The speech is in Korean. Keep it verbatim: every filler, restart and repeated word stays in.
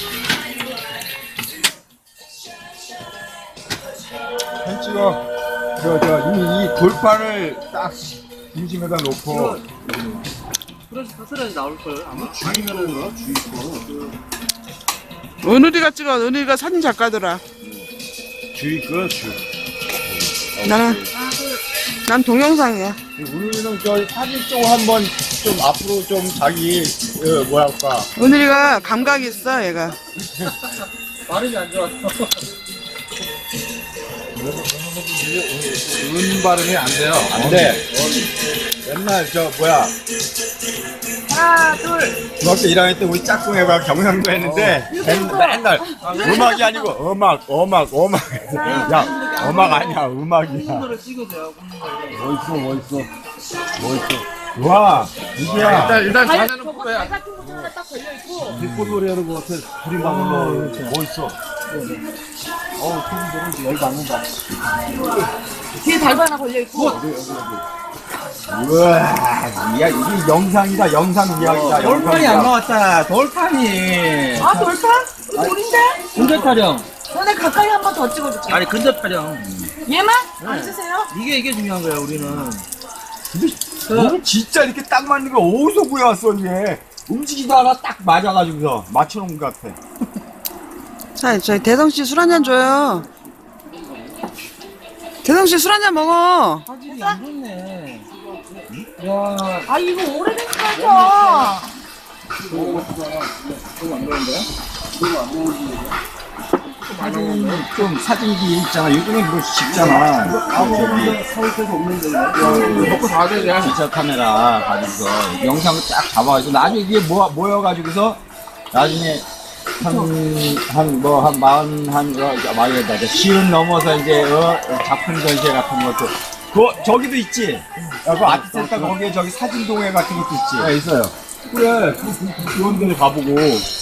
사진 찍어. 저, 저, 이, 이 돌판을 딱 중심에다 놓고. 그래서 사슬하지 나올걸 아마 주의면은 주의 거 은우리가 찍어. 은우리가 사진 작가더라. 주의 거, 주. 나는 난 동영상이야. 우리는 저 사진 쪽 한번 좀 앞으로 좀 자기, 어, 뭐랄까. 은우리가 감각이 있어 얘가. 발음이 안 좋았어. 은 발음이 안 돼요. 안 돼. 옛날 저 뭐야 하나 둘 중학교 일 학년 때 우리 짝꿍애가 경상도 했는데 맨- 맨날 음악이 아니고 음악 음악 음악 야 음악 아니야 음악이야. 를 찍어도 돼요 굽는 거. 멋있어 멋있어 멋있어. 와 이게야. 일단 일단 발, 자세는 저거 뽑아야 발 같은 것도 하나 딱 걸려있고 뒷골놀이 하는 거 같아. 둘이 막는 거 멋있어. 어우 손들은 열 받는다. 뒤에 달도 하나 걸려있고 우와 야 이게 영상이다 영상 이야기다. 돌판이 안 영상이야. 나왔다. 돌판이. 아 돌판? 이거 돌인데? 근접 촬영. 너네 가까이 한 번 더 찍어줄게 아니 근접 촬영. 얘만? 앉으세요 이게 이게 중요한 거야 우리는. 너는 진짜 이렇게 딱 맞는 거 어디서 구해왔어 이게. 움직이다가 딱 맞아가지고서 맞춰놓은 것 같아. 자, 저희 대성 씨 술 한잔 줘요. 대성 씨 술 한잔 먹어. 화질이 안 좋네. 야. 아 이거 오래된 거죠? 사진 좀 사진기 있잖아. 요즘은 그거 쉽잖아. 저기 먹고 다 되냐? 디지털 카메라 가지고서 영상을 딱 잡아가지고 나중에 이게 모아, 모여가지고서 나중에 한 뭐 한 마흔 한 말이다 시은 넘어서 이제 어, 작품 전시회 같은 것도 그 저기도 있지. 야, 그 아트센터 거기에 저기 사진 동회 같은 것도 있지. 네, 있어요. 그래, 그, 그, 그런 데를 가보고